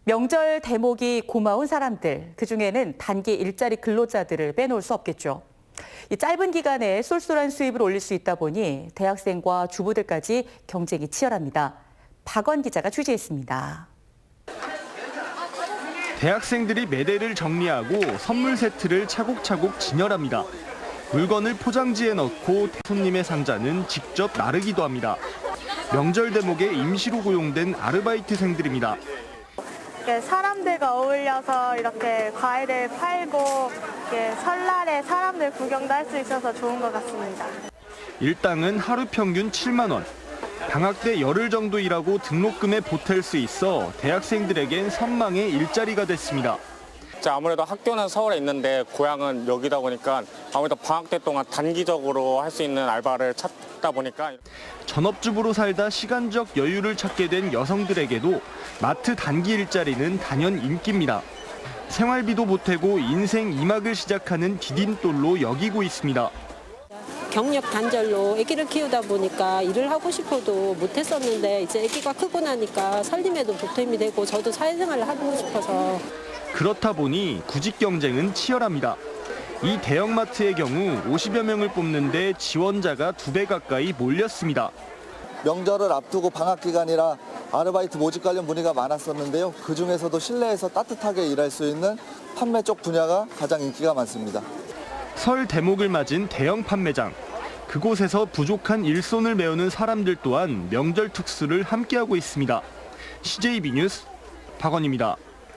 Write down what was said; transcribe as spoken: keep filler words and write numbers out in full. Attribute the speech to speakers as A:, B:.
A: 명절 대목이 고마운 사람들, 그중에는 단기 일자리 근로자들을 빼놓을 수 없겠죠. 이 짧은 기간에 쏠쏠한 수입을 올릴 수 있다 보니 대학생과 주부들까지 경쟁이 치열합니다. 박원 기자가 취재했습니다.
B: 대학생들이 매대를 정리하고 선물 세트를 차곡차곡 진열합니다. 물건을 포장지에 넣고 손님의 상자는 직접 나르기도 합니다. 명절 대목에 임시로 고용된 아르바이트생들입니다.
C: 사람들과 어울려서 이렇게 과일을 팔고 이렇게 설날에 사람들 구경도 할 수 있어서 좋은 것 같습니다.
B: 일당은 하루 평균 칠만 원. 방학 때 열흘 정도 일하고 등록금에 보탤 수 있어 대학생들에겐 선망의 일자리가 됐습니다.
D: 아무래도 학교는 서울에 있는데 고향은 여기다 보니까 아무래도 방학 때 동안 단기적으로 할 수 있는 알바를 찾다 보니까
B: 전업주부로 살다 시간적 여유를 찾게 된 여성들에게도 마트 단기 일자리는 단연 인기입니다. 생활비도 보태고 인생 이 막을 시작하는 디딤돌로 여기고 있습니다.
E: 경력 단절로 아기를 키우다 보니까 일을 하고 싶어도 못했었는데 이제 아기가 크고 나니까 살림에도 보탬이 되고 저도 사회생활을 하고 싶어서.
B: 그렇다 보니 구직 경쟁은 치열합니다. 이 대형마트의 경우 오십여 명을 뽑는데 지원자가 두 배 가까이 몰렸습니다.
F: 명절을 앞두고 방학 기간이라 아르바이트 모집 관련 문의가 많았었는데요. 그중에서도 실내에서 따뜻하게 일할 수 있는 판매 쪽 분야가 가장 인기가 많습니다.
B: 설 대목을 맞은 대형 판매장. 그곳에서 부족한 일손을 메우는 사람들 또한 명절 특수를 함께하고 있습니다. 씨제이비 뉴스 박원입니다.